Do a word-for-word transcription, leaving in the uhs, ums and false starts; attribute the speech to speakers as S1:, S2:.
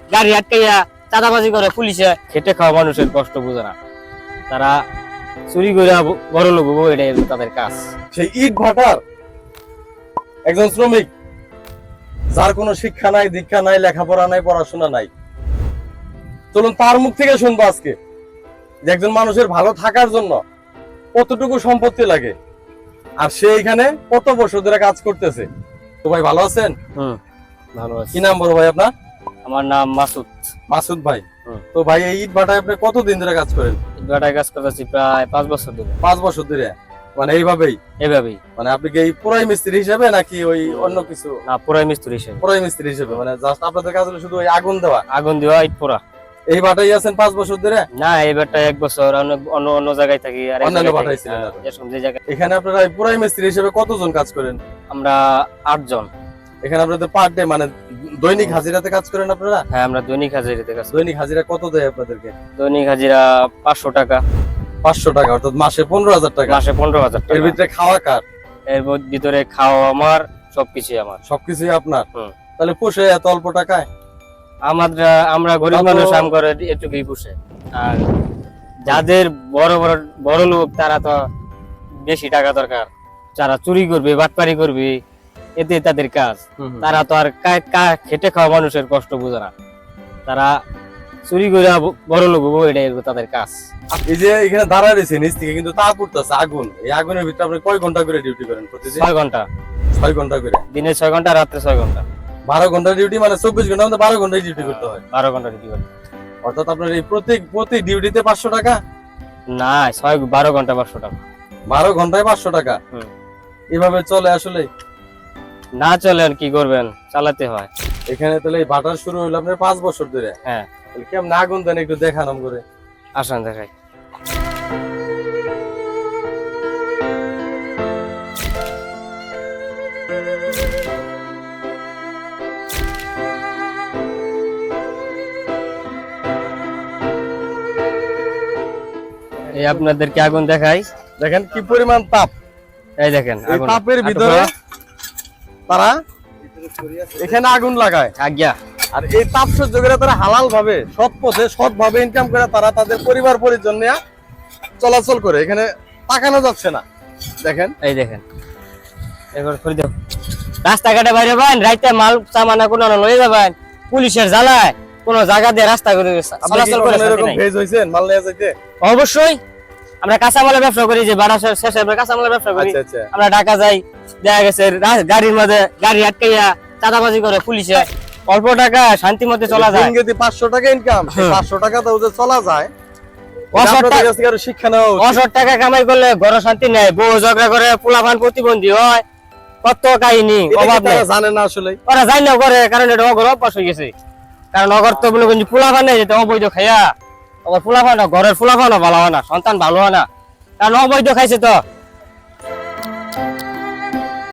S1: গাড়ি আটকাইয়া চাঁদাবাজি করে পুলিশে। খেটে খাওয়া মানুষের কষ্ট বুঝে না, তারা চুরি করে বড় লোক হবো, এটাই তাদের কাজ।
S2: সেই ইট ভাটার একজন শ্রমিক, যার কোনো শিক্ষা নাই, দীক্ষা নাই, লেখাপড়া নাই, পড়াশোনা নাই। চলুন তার মুখ থেকে শুনবো আজকে যে একজন মানুষের ভালো থাকার জন্য কতটুকু সম্পত্তি লাগে, আর সে এখানে কত বছর ধরে কাজ করতেছে। তো ভাই ভালো আছেন?
S1: হুম, ভালো আছি।
S2: কি নাম বড় ভাই আপনার?
S1: আমার নাম মাসুদ।
S2: মাসুদ ভাই।
S1: হুম।
S2: তো ভাই এই ইট ভাটায় আপনি কতদিন ধরে কাজ করেন?
S1: ইট ভাটায় কাজ করতেছি প্রায় পাঁচ বছর ধরে।
S2: পাঁচ বছর ধরে? মানে এইভাবেই
S1: এভাবেই।
S2: মানে আপনি কি এই পুরাই মিস্ত্রি হিসেবে নাকি ওই অন্য কিছু?
S1: না, পুরাই মিস্ত্রি হিসেবে।
S2: পুরাই মিস্ত্রি হিসেবে, মানে জাস্ট আপনাদের কাজ হলো শুধু ওই আগুন দেওয়া?
S1: আগুন দেওয়া, ইট পোড়া।
S2: এই ভাটাই আছেন পাঁচ বছর ধরে?
S1: না, এই ভাটায় এক বছর, অন্য অন্য অন্য জায়গায় থাকি। আর
S2: অন্যান্য ভাটায় ছিলেন আপনি?
S1: এরকম যে জায়গায়।
S2: এখানে আপনারা এই পুরাই মিস্ত্রি হিসেবে কতজন কাজ করেন?
S1: আমরা আটজন।
S2: এখানে আপনাদের পার ডে মানে দৈনিক হাজিরাতে কাজ করেন আপনারা?
S1: হ্যাঁ, আমরা দৈনিক হাজিরাতে কাজ করি।
S2: দৈনিক হাজিরা কত দেয় আপনাদেরকে?
S1: দৈনিক হাজিরা পাঁচশো টাকা।
S2: পাঁচশো টাকা, অর্থাৎ মাসে পনেরো হাজার টাকা।
S1: মাসে পনেরো হাজার
S2: এর
S1: টাকা।
S2: ভিতরে খাওয়া কার?
S1: এর ভিতরে খাওয়া আমার, সবকিছুই আমার।
S2: সবকিছুই আপনার?
S1: হুম।
S2: তাহলে পোষে এত অল্প টাকায়?
S1: আমরা আমরা গরিব
S2: তারপর-
S1: মানুষ, আম করে এটুকুই পুষে। আর যাদের বড় বড় বড় লোক, তারা তো বেশি টাকা দরকার, যারা চুরি করবে, বাটপারি করবে, এতে তাদের কাজ। তারা তো আর কা- কা- খেটে খাওয়া মানুষের কষ্ট বুঝে না, তারা চুরি করে বড় লোক হবো, এটাই তাদের কাজ।
S2: এই যে এখানে দাঁড়ায় রয়েছে নিচ থেকে কিন্তু তাপ উঠতেছে, আগুন। এই আগুনের ভিতরে আপনি কয় ঘন্টা করে ডিউটি করেন প্রতিদিন?
S1: ছয় ঘন্টা।
S2: ছয় ঘন্টা করে?
S1: দিনে ছয় ঘন্টা, রাত্রে ছয় ঘন্টা।
S2: বারো ঘন্টা ডিউটি, মানে চব্বিশ ঘন্টা মধ্যে বারো ঘন্টায় ডিউটি করতে হয়?
S1: বারো ঘন্টা ডিউটি করতে।
S2: অর্থাৎ আপনার এই প্রতি প্রতি ডিউটিতে পাঁচশো টাকা?
S1: না, ছয় বারো ঘন্টা পাঁচশো টাকা।
S2: বারো ঘন্টায় পাঁচশো টাকা?
S1: হুম।
S2: এভাবে চলে আসলে?
S1: না চলে আর কি করবেন, চালাতে হয়।
S2: এখানে তাহলে এই ভাটার শুরু হলো আপনার পাঁচ বছর ধরে?
S1: হ্যাঁ।
S2: তাহলে কেমন আগুন দেন একটু দেখানাম করে?
S1: আসেন দেখাই। এই আপনাদেরকে আগুন দেখাই।
S2: দেখেন কি পরিমাণ তাপ।
S1: এই দেখেন
S2: এই
S1: আগুন।
S2: তাপের ভিতরে তারা এখানে আগুন লাগায়।
S1: আজ্ঞা।
S2: আর এই তাপ সহ্য করে তারা হালাল ভাবে, সৎ পথে, সৎ ভাবে ইনকাম করে তারা তাদের পরিবার পরিজন নিয়ে চলাচল করে। এখানে তাকানো যাচ্ছে না, দেখেন।
S1: এই দেখেন, এবার করে দাও। রাস্তাঘাটে বাইরে বাইন, রাইতে মাল সামানা কোনো লয়ে যাবেন, পুলিশের জ্বালায় কোনো জায়গা দিয়ে রাস্তা করে চলাচল করে।
S2: এরকম ভেজ হইছেন মাল নিয়ে যাইতে?
S1: অবশ্যই। আমরা কাঁচামালের ব্যবসা করি, যে বাড়া শেষে আমরা কাঁচামালের ব্যবসা করি।
S2: আচ্ছা আচ্ছা।
S1: আমরা ঢাকা যাই, দেখা গেছে রা- গাড়ির মধ্যে গাড়ি আটকাইয়া চাঁদাবাজি করে পুলিশে, অল্প টাকা শান্তি মধ্যে চলা যায়।
S2: দিনগতি পাঁচশো টাকা ইনকাম,
S1: হ্যাঁ।
S2: পাঁচশো টাকা তো ওদের চলা যায়।
S1: অসৎ
S2: আপনাদের
S1: টাকা-
S2: কাছ থেকে আরো শিক্ষা নেওয়া উচিত।
S1: অসৎ টাকা কামাই করলে ঘর শান্তি নেই, বউ ঝগড়া করে, পোলাপান প্রতিবন্ধী হয়, কত কাহিনী,
S2: এটা কি
S1: অভাব নেই।
S2: তারা জানে না আসলে?
S1: ওরা যাই না করে, কারণ এটা অগর অভ্যাস হয়ে গেছে। কারণ অগর তো বলে কিন্তু পোলাপান নেই, যেটা অবৈধ খাইয়া, অগর পোলাপান, ঘরের পোলাপানও ভালো হয় না, সন্তান ভালো হয় না, কারণ অবৈধ খাইছে তো।